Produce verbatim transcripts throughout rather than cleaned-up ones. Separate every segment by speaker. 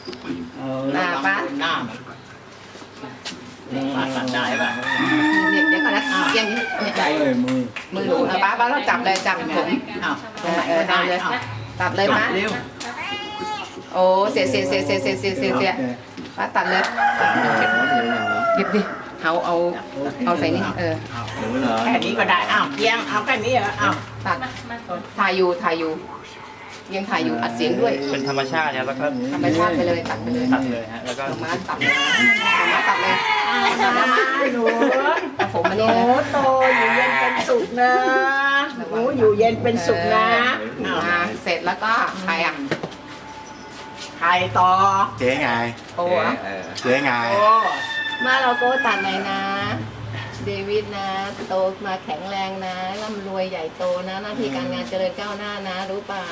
Speaker 1: หน้าป้าหน้าป้าตัดได้ป่ะเดี๋ยวก่อนนะเอียงนี้ใจเลยมือมือหนูป้าป้าต้องจับเลยจับผมอ้าวตรงไหนก็ได้เลยตัดเลยป้าโอ้เสียเสียเสียเสียเสียเสียเสียเสียป้าตัดเลยหยิบดิเอาเอาเอาใส่นี่เออแค่นี้ก็ได้อ้าวเอียงเอาแค่นี้เหรออ้าวตัดถ่ายอยู่ถ่ายอยู่ยังถ่ายอยู่อัดเสียงด้วย
Speaker 2: เป็นธรรมชาติแล้วก็
Speaker 1: ธรรมชาติไปเลยตัดไปเลย
Speaker 2: ตัดเลยฮะแล้วก็
Speaker 1: มาตัดเลยมาตัดเลยมาหนูผมมันนี่นะโตอยู่เย็นเป็นสุขนะหนูอยู่เย็นเป็นสุขนะมาเสร็จแล้วก็ใครอ่ะใครต่อ
Speaker 3: เจ๊ไง
Speaker 1: โอ้
Speaker 3: เจ๊ไง
Speaker 1: มาเราโก้ตัดไหนนะเดวิดนะโตมาแข็งแรงนะร่ำรวยใหญ่โตนะหน้าที่การงานเจริญก้าวหน้านะรู้เปล่า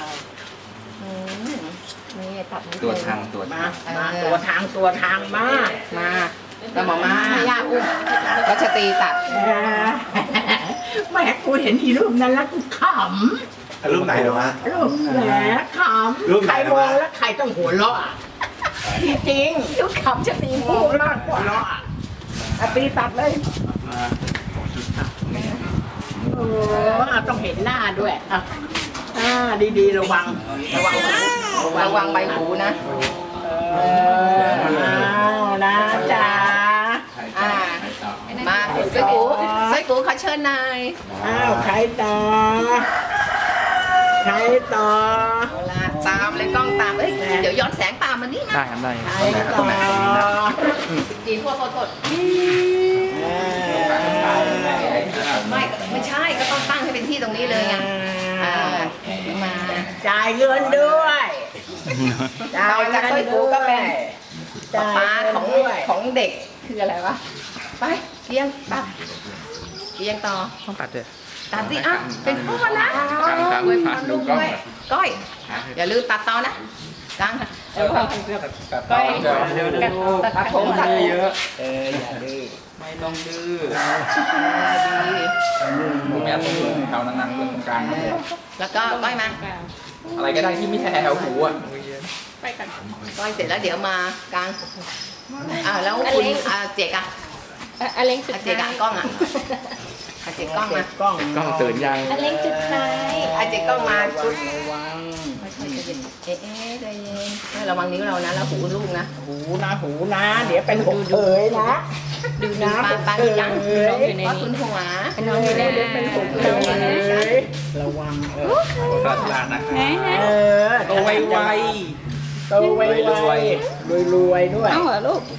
Speaker 1: นี่ตัด
Speaker 2: ตัวทางตัว
Speaker 1: มามาตัวทางตัวทางมามาแล้วหมอมาให้ย่าอุ้มรัชตีตัดแม่กูเห็นอีรูปนั้นแล้วกูขำ
Speaker 3: รูปไหนหรอวะ
Speaker 1: รูปแหมขำใครมองแล้วใครต้องหัวเราะจริงๆรูปขำชตีมองมากกว่าเราะอ่ะตีตัดเลยโอ้ต้องเห็นหน้าด้วยอ่ะอ่าดีๆระวังระวังระวังใบหูนะเออเอานะจ๊ะอ่ามาใส่กูใส่กูขอเชิญนายอ้าวใครต่อใครต่อตามเลยกล้องตามเอ้ยเดี๋ยวย้อนแสงตามมันนี่นะ
Speaker 2: ได้ครับได้
Speaker 1: ใครต่อจีนโทษโทษโทษไม่ไม่ใช่ก็ต้องตั้งให้เป็นที่ตรงนี้เลยไงมาจ่ายเงินด้วยต่อจากต้อยกูก็เป็นป้าของของเด็กคืออะไรวะไปเลี้ยงตัดเลี้ยงต่อ
Speaker 2: ต้องตัดเลย
Speaker 1: ตัดสิอ่ะเป็นพ่อนะด้วยพาลูกด้วยก้อยอย่าลืมตัดต่อนะกังก้อยตัดผมตัดเยอะเอออย่าดื้อ
Speaker 2: ไม่ต้องดื้อ
Speaker 1: ดี
Speaker 2: ผมแม่ต้องดื้อแถวนั้นๆตรงกลาง
Speaker 1: แล้วก็ก้อยมา
Speaker 2: อะไรก็ได้ที่ไม่ใช่แถวหูอ่ะ
Speaker 1: ไปกันก้อยเสร็จแล้วเดี๋ยวมากลางอ่าแล้วคุณเจ๊กอะ
Speaker 4: อเล้งจุด
Speaker 1: เจ๊กอะกล้องอะเจ๊กล้องมากล้อง
Speaker 2: กล้องตื่นยัง
Speaker 4: อเล้งจุดท้าย
Speaker 1: อาเจ๊กล้องมาชุดระวังไม่ใช่จะเย็นเอ๊ะใจเย็นระวังนิ้วเรานะแล้วหูลูกนะหูนะหูนะเดี๋ยวเป็นหูเผยนะดูนะปลาปลายังเพราะคุณหัวน้องอยู่ในเป็นหูเผยระวังเออ
Speaker 2: ตัดลานนะ
Speaker 1: เออ
Speaker 2: โตไวไว
Speaker 1: โตไวไวรวยรวยด้วย
Speaker 4: เอาเหรอลูก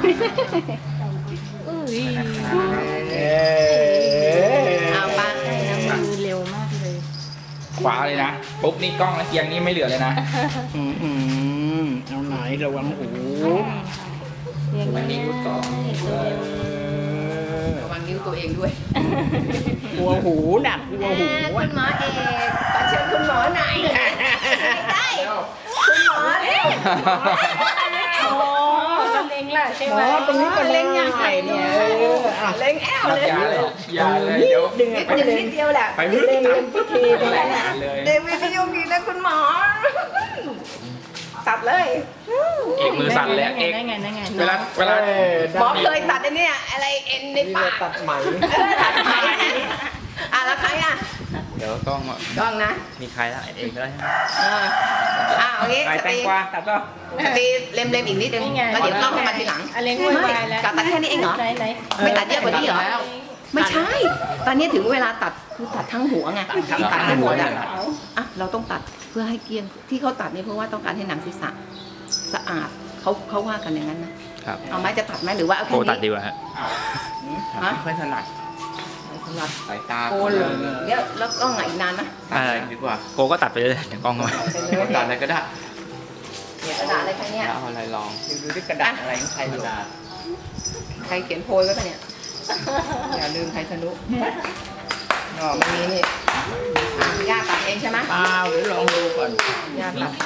Speaker 1: เอาปลา
Speaker 4: ดูเร็วมากเลย
Speaker 2: ขวาเลยนะปุ๊บนี่กล้องแล้วเกียงนี่ไม่เหลือเลยนะ
Speaker 1: อืมอืมเอาไหนระวังหู
Speaker 2: วันนี้กูต่อ
Speaker 1: ระวังนิ้วตัวเองด้วยกลัวหูน่ะกลัวหูคุณหมอเอกขอเชิญคุณหมอหน่อยได้คุณหมอเอก
Speaker 4: โอ้เล็งล่ะใช่ไหม
Speaker 1: ตรงนี้ก็เล็งยังไงเนี่ยเล็งแอลเลย
Speaker 2: อย่าเลยเดี๋ยว
Speaker 1: ดึงไปนิดเดียวแหละไปเล็งพิธีตรงนั้นแหละเดวิดพี่ยุ่งดีนะคุณหมอตัดเลย
Speaker 2: เอกมือสั่นเลยเอกเวลาเวลา
Speaker 1: หมอเคยตัดอันนี้อะไรเอ็นในปาก
Speaker 3: ตัดไหม
Speaker 1: ตัดไหมอ่ะแล้วใครอ่ะ
Speaker 2: เดี๋ยวกล้อง
Speaker 1: กล้องนะ
Speaker 2: มีใครละเอกก็ได้
Speaker 1: อ่าโอเค
Speaker 2: แตงกวาตัดก็
Speaker 1: ตีเล็มเล็มอีกนิดนึงแล้วเดี๋ยวกล้องเข้ามาทีหลัง
Speaker 4: อเล้ง
Speaker 1: ไม่ตัดแค่นี้เองเหรอไม่ตัดเยอะกว่านี้เหรอไม่ใช่ตอนนี้ถึงเวลาตัดคือตัดทั้งหัวไงตัดทั้งหัวอ่ะอ่ะเราต้องตัดเพื่อให้เกลี้ยงที่เขาตัดนี่เพราะว่าต้องการให้หนังศีรษะสะอาดเขาเขาว่ากันอย่างนั้นนะครับเอาไม้จะตัดไหมหรือว่าเอาแค่นี้
Speaker 2: โกตัดดีกว่าฮะ
Speaker 1: ฮะ
Speaker 2: ไม่ถนัด
Speaker 1: ถนัด
Speaker 2: สายตา
Speaker 1: โกเลยเดี๋ยวแล้วกล้องไหนอีกนานนะ
Speaker 2: อะไรดีกว่าโกก็ตัดไปเลยเดี๋ยวกล้องก็ตัดอะไรก็ได้
Speaker 1: เนี่ยกระดาษอะไรใครเนี่ย
Speaker 2: เอาอะไรลอง
Speaker 1: ดูที่กระดาษอะไรใครกระดาษใครเขียนโพยไว้ปะเนี่ยอย่าลืมไทยทะลุอ๋อมันมีนี่ย่าตัดเองใช่ไหมเปล่าหรือลองดูก่อนย่าตัด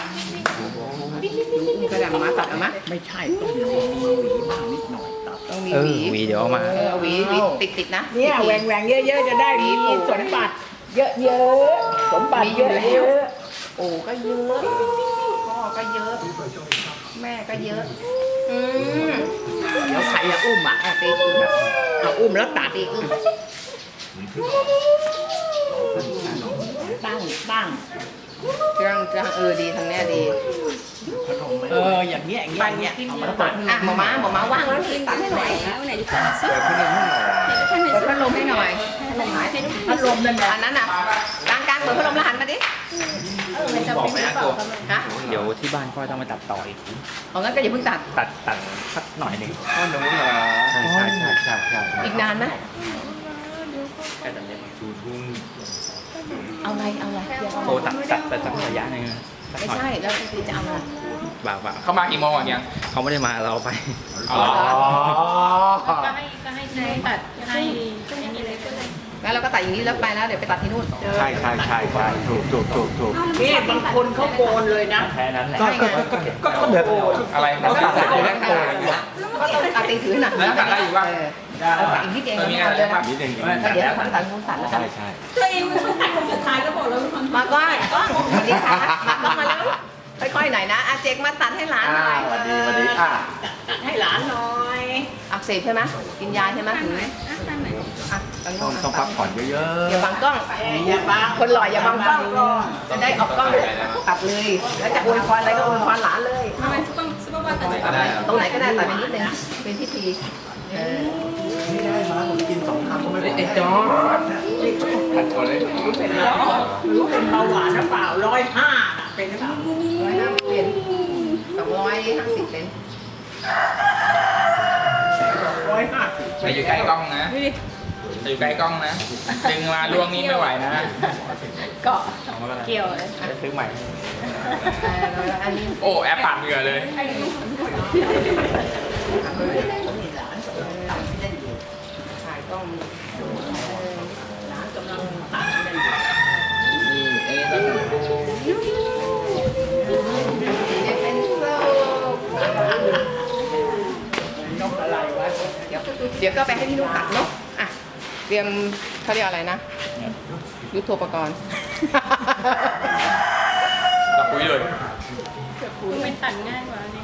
Speaker 1: กระดาษมาตัดเอาไหมไม่ใช่ต้องมีหวีบ้างนิดหน่อยตัดต้องมีหวี
Speaker 2: หวีเดี๋ยวมา
Speaker 1: เออหวีหวีติดติดนะเนี่ยแหวงแหวงเยอะๆจะได้มีสมบัติเยอะๆสมบัติเยอะๆโอ้ก็เยอะพ่อก็เยอะแม่ก็เยอะอืมเดี๋ยวใครจะอุ้มอ่ะตีอึ้งเอาอุ้มแล้วตัดตีอึ้งตั้งตั้งจังจังเออดีทางเนี้ยดี
Speaker 3: เอออย่างเงี้ยอย่างเงี้ยอย่างเงี้ยเอามาตัด
Speaker 1: อ่ะหมอม้าหมอม้าว่างแล้วนี่ตัดให้หน่อย
Speaker 4: ไหนดีกว่า
Speaker 3: เปิดพัดลมให้หน่อย
Speaker 1: เปิดพัดลมให้หน่อยพัดลมนั่นอันนั้นอ่ะกลางกลางเปิดพัดลมแล้วหันมาดิ
Speaker 4: เออมันจะเป็นหรือเปล่าก็ไม่รู้
Speaker 1: ฮะ
Speaker 2: เดี๋ยวที่บ้านก็ต้องมาตัดต่ออีก
Speaker 1: เอางั้นก็อย่าเพิ่งตัด
Speaker 2: ตัดตัดสักหน่อยหนึ่ง
Speaker 3: พ่อหนูเหรอ
Speaker 2: ใช่ใช่ใช่ใช่ใช่
Speaker 1: อีกนานไหม
Speaker 2: แค่ตัดเล็บ
Speaker 1: เอาอะไรเอาอะไร
Speaker 2: โอ้ตัดตัดตัดสักระยะหนึ่งสัก
Speaker 1: ไม่
Speaker 2: หน่อย
Speaker 1: ใช่แล้วพี่จะเอาอะไร
Speaker 2: บ่าวบ่าว
Speaker 5: เข้ามากี่โมงอ่ะยัง
Speaker 2: เขาไม่ได้มาเราไป
Speaker 5: อ๋อ
Speaker 4: ก็ให้ก็ให้นายตัดให้ไอ้นี่เลยก็เลย
Speaker 1: งั้นเราก็ตัดอย่างนี้แล้วไปแล้วเดี๋ยวไปตัดที่นู่น
Speaker 3: ใช่ใช่ใช่ใช่ถูกถูกถูกถูก
Speaker 6: นี่บางคนเขาโกนเลยนะ
Speaker 2: แค่นั้นแหละ
Speaker 3: ก็ก็ก็ก็ก็แบบ
Speaker 5: อะไร
Speaker 3: ก็ตัดเสร็จแล้วโกน
Speaker 1: ก็ต้องตัดตีถือหน่ะ
Speaker 5: แล้วตัดได้อยู่ป่ะ
Speaker 1: เออเอาตัดอีกนิดเอง
Speaker 5: เออมี
Speaker 1: เอา
Speaker 5: อะไร
Speaker 1: เลย
Speaker 5: ป่ะ
Speaker 1: นะ
Speaker 3: นิดนึง
Speaker 1: ก็เดี๋ยวคนตัดนู้นตัดแล้วกัน
Speaker 3: ใช่ใช่
Speaker 6: ตัวเองมันต้องตัดคนสุดท้ายก็บอกแล้วมัน
Speaker 1: มาก้อยก้อยสวัสดีค่ะมาก้อยมาแล้วค่อยๆหน่อยนะอาเจกมาตัดให้หลานห
Speaker 3: อ่า
Speaker 1: น่อย
Speaker 3: สวัสดีสวัสดีอ่ะ
Speaker 6: ตัดให้หลานหน่อย
Speaker 1: อักเสบใช่ไหมกินยาใช่ไหมถึงอ่ะตรง
Speaker 3: ต้อง
Speaker 1: นู้น
Speaker 3: ต้องพักผ่อนเยอะ
Speaker 1: อย่าบังกล้อง
Speaker 6: อย่าบัง
Speaker 1: คนหล่ออย่าบังกล้องจะได้ออกกล้องตัดเลย แล้วจะอวยพรอะไรก็อวยพรหลานเลย
Speaker 4: ทำไมซุปเปอร์ซุปเปอร์วันตัดสิน
Speaker 1: ตรงไหนก็ได้ตัดไปนิดนึงเป็นพิธีเออ
Speaker 3: ๆไม่ได้มาผมกินสองคำก็ไม่พอ
Speaker 5: ไอ้จอตัดก่อนเลย
Speaker 6: เป็นแล้วรู้เป็นเบาหวานหรือเปล่าร้อยห้าเป็นหรือเปล่า
Speaker 1: ร้อยห้าสิบเป็นสองร้อยห้าสิบเป็น
Speaker 6: ร้อยห้าสิบ
Speaker 5: ไปอยู่ใกล้กล้องนะไปอยู่ใกล้กล้องนะ ดึงมาล่วงนี่ไม่ไหวนะ
Speaker 1: ก็
Speaker 4: เกี่ยวเลย
Speaker 2: จะซื้อใหม่
Speaker 1: เอออันนี้
Speaker 5: โอ้แอปปาดเหงื่อเลย
Speaker 1: ถ่ายกล้อง
Speaker 6: หลานกำลังตัดนั่นอยู่
Speaker 5: นี่เอ้ต้อง
Speaker 1: เป็นโซ่
Speaker 6: นกอะไรวะ
Speaker 1: เดี๋ยวเดี๋ยวก็ไปให้พี่นุ่มตัดเนาะอ่ะเตรียมเขาเรียกอะไรนะยุทโธปกรณ์
Speaker 5: ตัดปุ้ยเลย
Speaker 4: มันตัดง่ายกว่านี่